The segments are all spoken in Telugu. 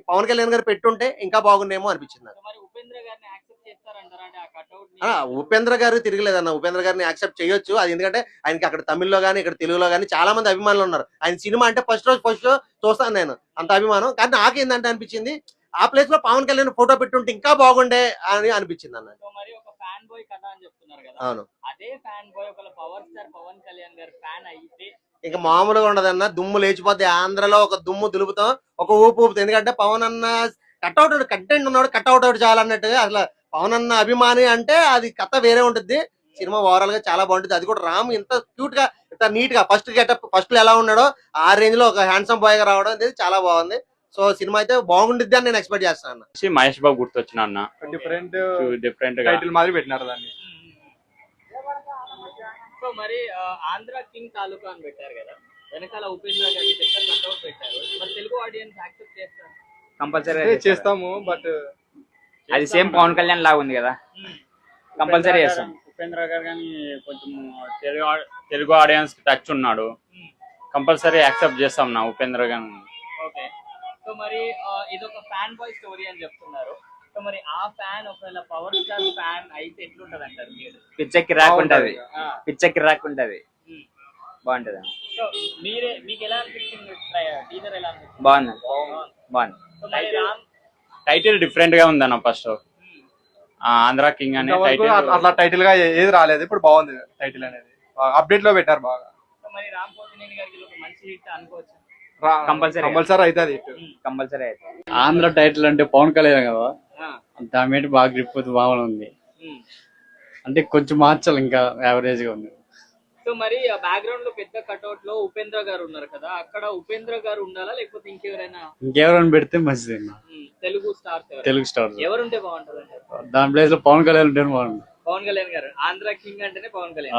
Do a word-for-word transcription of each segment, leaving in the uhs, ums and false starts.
పవన్ కళ్యాణ్ గారు పెట్టుంటే ఇంకా బాగుండేమో అనిపించింది నాకు. ఆ, ఉపేంద్ర గారు తిరగలేదన్న. ఉపేంద్ర గారిని యాక్సెప్ట్ చేయొచ్చు. అది ఎందుకంటే ఆయనకి అక్కడ తమిళ్లో గానీ ఇక్కడ తెలుగులో గానీ చాలా మంది అభిమానులు ఉన్నారు. ఆయన సినిమా అంటే ఫస్ట్ రోజు ఫస్ట్ షో చూస్తాను నేను, అంత అభిమానం. కానీ నాకేందంటే అనిపించింది ఆ ప్లేస్ లో పవన్ కళ్యాణ్ ఫోటో పెట్టుంటే ఇంకా బాగుండే అని అనిపించింది అన్న. అవును, ఇంకా మామూలుగా ఉండదన్న. దుమ్ము లేచిపోద్ది. ఆంధ్రలో ఒక దుమ్ము దులుపుతాం, ఒక ఊపు ఊపుతాం. ఎందుకంటే పవన్ అన్న కట్అవుట్ కంటెంట్ ఉన్నాడు, కట్అవుట్ అవుట్ చాలన్నట్టుగా. అసలు పవన్ అన్న అభిమాని అంటే అది కథ వేరే ఉంటుంది. సినిమా ఓవరాల్ గా చాలా బాగుంటుంది. అది కూడా రామ్ ఇంత క్యూట్ గా ఇంత నీట్ గా ఫస్ట్ గెటప్ ఫస్ట్ లో ఎలా ఉన్నాడో ఆ రేంజ్ లో ఒక హ్యాండ్సమ్ బాయ్ గా రావడం అనేది చాలా బాగుంది. సో సినిమా అయితే బాగుండిద్ది అని నేను ఎక్స్పెక్ట్ చేస్తాను. మహేష్ బాబు గుర్తొచ్చిన అన్న. డిఫరెంట్ డిఫరెంట్ టైటిల్ మాదిరి పెట్టినారు దాన్ని. సో మరి ఆంధ్ర కింగ్ తాలూకా అని పెట్టారు కదా, వెనకాల ఉపేంద్ర గారి పెద్ద కట్అవుట్ పెట్టారు. మరి తెలుగు ఆడియన్స్ యాక్సెప్ట్ చేస్తారు? కంపల్సరీ చేస్తాము, బట్ అది సేమ్ పవన్ కళ్యాణ్ లాగా ఉంది కదా, కంపల్సరీ చేస్తాం. ఉపేంద్ర గారు కానీ కొంచెం తెలుగు తెలుగు ఆడియన్స్ టచ్ ఉన్నాడు, కంపల్సరీ యాక్సెప్ట్ చేస్తాం నా ఉపేంద్ర గారిని. ఓకే. సో మరి ఇది ఒక ఫ్యాన్ బాయ్ స్టోరీ అని చెప్తున్నారు. సో మరి ఆ ఫ్యాన్ ఒకవేళ పవర్ స్టార్ ఫ్యాన్ అయితే ఎట్లుంటది అంటారు మీరు? పిచ్చకి రాకుంటది, పిచ్చకి రాకుంటది, బాగుంటది. సో మీరే మీకు ఎలా అనిపించింది? టీజర్ ఎలా అనిపించింది? బాగుంది, బాగుంది. సో మరి రామ్ టైటిల్ డిఫరెంట్ గా ఉందన్న. ఫస్ట్ ఆంధ్ర కింగ్ అనే టైటిల్ అట్లా టైటిల్ గా ఏది రాలేదు. ఇప్పుడు బాగుంది టైటిల్ అనేది, అప్డేట్ లో పెట్టారు బాగా. సో మరి రామ్ పోతినేని గారికి ఒక మంచి హిట్ అనుకోవచ్చు. కంపల్సరీ కంపల్సరీ అవుతుంది, కంపల్సరీ అవుతుంది. ఆంధ్ర టైటిల్ అంటే పవన్ కళ్యాణ్ కదా, దాని మీద బాగా గ్రిప్ బాగుంది. అంటే కొంచెం మార్చాలి, ఇంకా యావరేజ్ గా ఉంది. సో మరి ఆ బ్యాక్గ్రౌండ్ లో పెద్ద కట్అవుట్ లో ఉపేంద్ర గారు ఉన్నారు కదా, అక్కడ ఉపేంద్ర గారు ఉండాలా లేకపోతే ఇంకెవరైనా? ఇంకెవరైనా పెడితే మంచిది. తెలుగు స్టార్స్ తెలుగు స్టార్ ఎవరుంటే బాగుంటది అంటే? దాని ప్లేస్ లో పవన్ కళ్యాణ్ ఉంటే బాగుంది. పవన్ కళ్యాణ్ గారు ఆంధ్ర కింగ్ అంటేనే పవన్ కళ్యాణ్.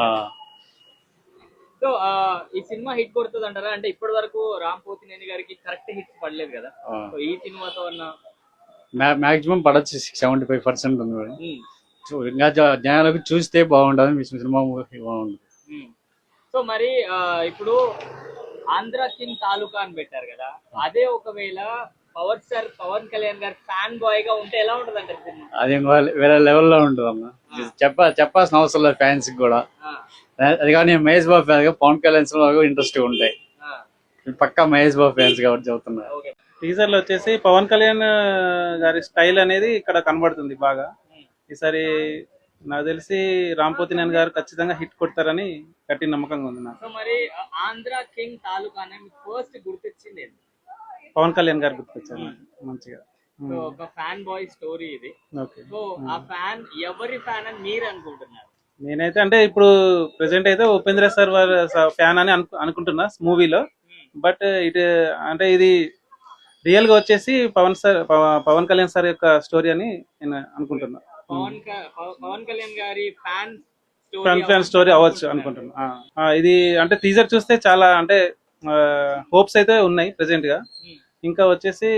సో ఈ సినిమా హిట్ కొడుతుంది అంటారా? అంటే ఇప్పటి వరకు రామ్ పోతినేని గారికి కరెక్ట్ హిట్స్ పడలేదు కదా, సో ఈ సినిమాతో అన్న మాక్సిమం పడచ్చు, సెవెంటీ ఫైవ్ పర్సెంట్ ఉంది. ఇంకా జనాలకు చూస్తే బాగుంటుంది, మీ సినిమా బాగుంటుంది. సో మరి ఇప్పుడు ఆంధ్ర కింగ్ తాలూకా అని పెట్టారు కదా, అదే ఒకవేళ పవర్ స్టార్ పవన్ కళ్యాణ్ గారు ఫ్యాన్ బాయ్ గా ఉంటే ఎలా ఉంటది అంటే సినిమా? అది వేరే లెవెల్లో ఉంటుంది అమ్మా. చెప్ప చెప్పాల్సిన అవసరం లేదు ఫ్యాన్స్ కూడా. అది కానీ మహేష్ బాబు ఫ్యాన్ గా పవన్ కళ్యాణ్ ఇంట్రెస్ట్ ఉంటాయి. పక్కా మహేష్ బాబు ఫ్యాన్స్ కాబట్టి చెబుతున్నారు. టీజర్ లో వచ్చేసి పవన్ కళ్యాణ్ గారి స్టైల్ అనేది ఇక్కడ కనబడుతుంది బాగా. ఈసారి నాకు తెలిసి రామ్ పోతినేని గారు ఖచ్చితంగా హిట్ కొడతారని గట్టి నమ్మకంగా ఉంది నాకు. సో మరి ఆంధ్ర కింగ్ తాలూకా ఫస్ట్ గుర్తొచ్చింది పవన్ కళ్యాణ్ గారు గుర్తొచ్చారు మంచిగా. సో ఒక ఫ్యాన్ బాయ్ స్టోరీ ఇది. సో ఆ ఫ్యాన్ ఎవరి ఫ్యాన్ అని మీరు అనుకుంటున్నారు? నేనైతే అంటే ఇప్పుడు ప్రెసెంట్ అయితే ఉపేంద్ర సార్ వారి ఫ్యాన్ అని అనుకుంటున్నా మూవీలో. బట్ ఇటు అంటే ఇది రియల్ గా వచ్చేసి పవన్ సార్ పవన్ కళ్యాణ్ సార్ యొక్క స్టోరీ అని నేను అనుకుంటున్నా. పవన్ పవన్ కళ్యాణ్ గారి ఫ్యాన్ ఫ్యాన్ ఫ్యాన్ స్టోరీ అవ్వచ్చు అనుకుంటున్నా. ఇది అంటే టీజర్ చూస్తే చాలా అంటే హోప్స్ అయితే ఉన్నాయి ప్రెసెంట్ గా. ఇంకా వచ్చేసి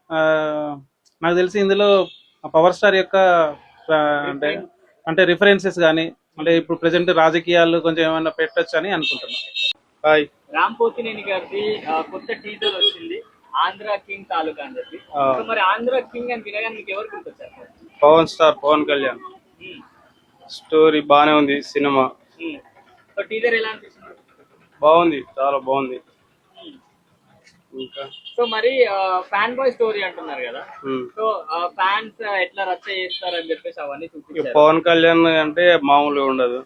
నాకు తెలిసి ఇందులో పవర్ స్టార్ యొక్క అంటే అంటే రిఫరెన్సెస్ కానీ అంటే ఇప్పుడు ప్రెసెంట్ రాజకీయాలు కొంచెం ఏమైనా పెట్టచ్చు అని అనుకుంటున్నా. హాయ్, రామ్ పోతినేని గారిది కొత్త టీజర్ వచ్చింది ఆంధ్ర కింగ్ తాలూకా అని చెప్పి. మరి ఆంధ్ర కింగ్ అని వినగానే మీకు ఎవరు గుర్తొచ్చారు? పవన్ స్టార్ పవన్ కళ్యాణ్. స్టోరీ బానే ఉంది, సినిమా సో టీజర్ ఎలా అనిపిస్తుంది? బాగుంది, చాలా బాగుంది. ఇంకా సో మరి ఫ్యాన్ బాయ్ స్టోరీ అంటున్నారు కదా, సో ఫ్యాన్స్ ఎట్లా రచ్చ చేస్తారు అని చెప్పేసి అవన్నీ చూపించారు. పవన్ కళ్యాణ్ అంటే మామూలుగా ఉండదు,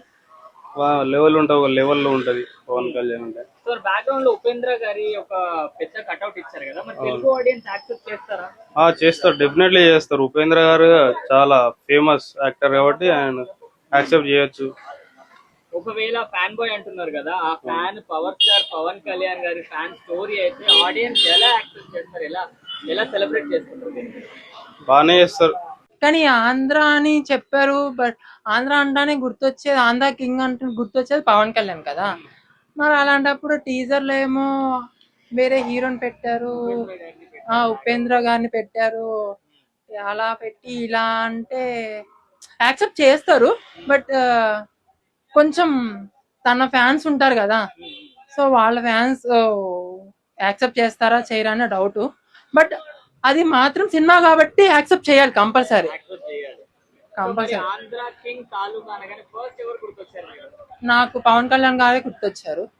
లెవెల్ ఉంటుంది, ఒక లెవెల్లో ఉంటది పవన్ కళ్యాణ్ అంటే. సో బ్యాక్గ్రౌండ్ లో ఉపేంద్ర గారి ఒక పెద్ద కట్అవుట్ ఇచ్చారు కదా, మరి తెలుగు ఆడియన్స్ యాక్సెప్ట్ చేస్తారా? చేస్తారు, డెఫినెట్లీ చేస్తారు. ఉపేంద్ర గారు చాలా ఫేమస్ యాక్టర్ కాబట్టి ఆయన యాక్సెప్ట్ చేయొచ్చు. ఒకవేళ ఫ్యాన్ బాయ్ అంటున్నారు కదా, ఆ fan power star Pawan Kalyan గారి ఫ్యాన్ స్టోరీ అయితే ఆడియన్స్ ఎలా యాక్సెప్ట్ చేస్తారు, ఎలా ఎలా సెలబ్రేట్ చేసుకుంటారు? బాగానే చేస్తారు. కానీ ఆంధ్ర అని చెప్పారు, బట్ ఆంధ్ర అంటానే గుర్తొచ్చేది ఆంధ్ర కింగ్ అంటే గుర్తొచ్చేది పవన్ కళ్యాణ్ కదా. మరి అలాంటప్పుడు టీజర్ లో ఏమో వేరే హీరోని పెట్టారు, ఆ ఉపేంద్ర గారిని పెట్టారు. అలా పెట్టి ఇలా అంటే యాక్సెప్ట్ చేస్తారు, బట్ కొంచెం తన ఫ్యాన్స్ ఉంటారు కదా, సో వాళ్ళ ఫ్యాన్స్ యాక్సెప్ట్ చేస్తారా చేయరా అనే డౌట్. బట్ అది మాత్రం సినిమా కాబట్టి యాక్సెప్ట్ చేయాలి కంపల్సరీ యాక్సెప్ట్ చేయాలి. మరి కంపల్సరీ ఆంధ్ర కింగ్ తాలూకా అనగానే ఫస్ట్ ఎవరు గుర్తొచ్చారు మీకు? నాకు పవన్ కళ్యాణ్ గారే గుర్తొచ్చారు